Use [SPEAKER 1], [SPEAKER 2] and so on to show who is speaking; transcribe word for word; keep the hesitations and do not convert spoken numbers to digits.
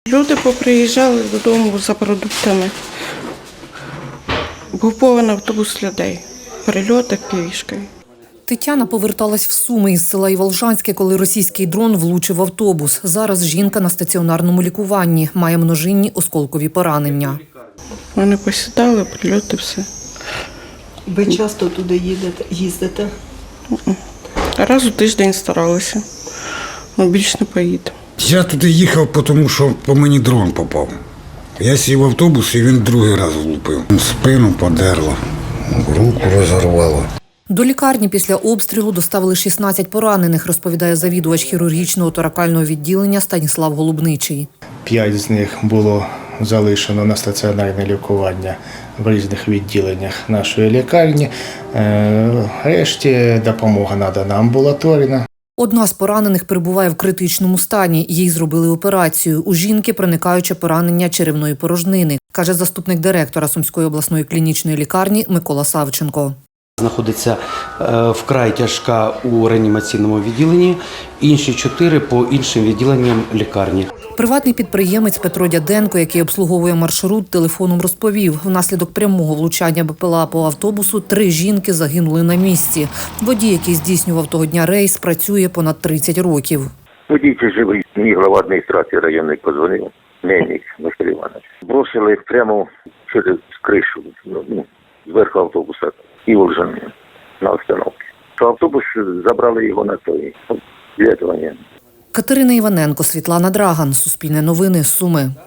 [SPEAKER 1] Люди поприїжджали додому за продуктами. Був повний автобус людей. Перельоти пішки.
[SPEAKER 2] Тетяна поверталась в Суми із села Іволжанське, коли російський дрон влучив в автобус. Зараз жінка на стаціонарному лікуванні, має множинні осколкові поранення.
[SPEAKER 1] Вони посідали, прильоти, все.
[SPEAKER 3] Ви часто туди їдете, їздите?
[SPEAKER 1] Раз у тиждень старалися, але більше не поїду.
[SPEAKER 4] Я туди їхав, тому що по мені дрон попав. Я сів в автобус і він другий раз влупив. Спину подерло, руку розірвало.
[SPEAKER 2] До лікарні після обстрілу доставили шістнадцять поранених, розповідає завідувач хірургічного торакального відділення Станіслав Голубничий.
[SPEAKER 5] П'ять з них було залишено на стаціонарне лікування в різних відділеннях нашої лікарні. Решті допомога надана амбулаторна.
[SPEAKER 2] Одна з поранених перебуває в критичному стані. Їй зробили операцію. У жінки проникаюче поранення черевної порожнини, каже заступник директора Сумської обласної клінічної лікарні Микола Савченко.
[SPEAKER 6] Знаходиться вкрай тяжка у реанімаційному відділенні, інші чотири по іншим відділенням лікарні.
[SPEAKER 2] Приватний підприємець Петро Дяденко, який обслуговує маршрут, телефоном розповів, внаслідок прямого влучання БПЛА по автобусу три жінки загинули на місці. Водій, який здійснював того дня рейс, працює понад тридцять років.
[SPEAKER 7] Водій живий, мій глава адміністрації районної подзвонив, Мельник Василь Іванович. Бросили прямо через кришу, ну, зверху автобуса. І Іволжани на остановці. Автобус забрали його на той лікування.
[SPEAKER 2] Катерина Іваненко, Світлана Драган, Суспільне новини, Суми.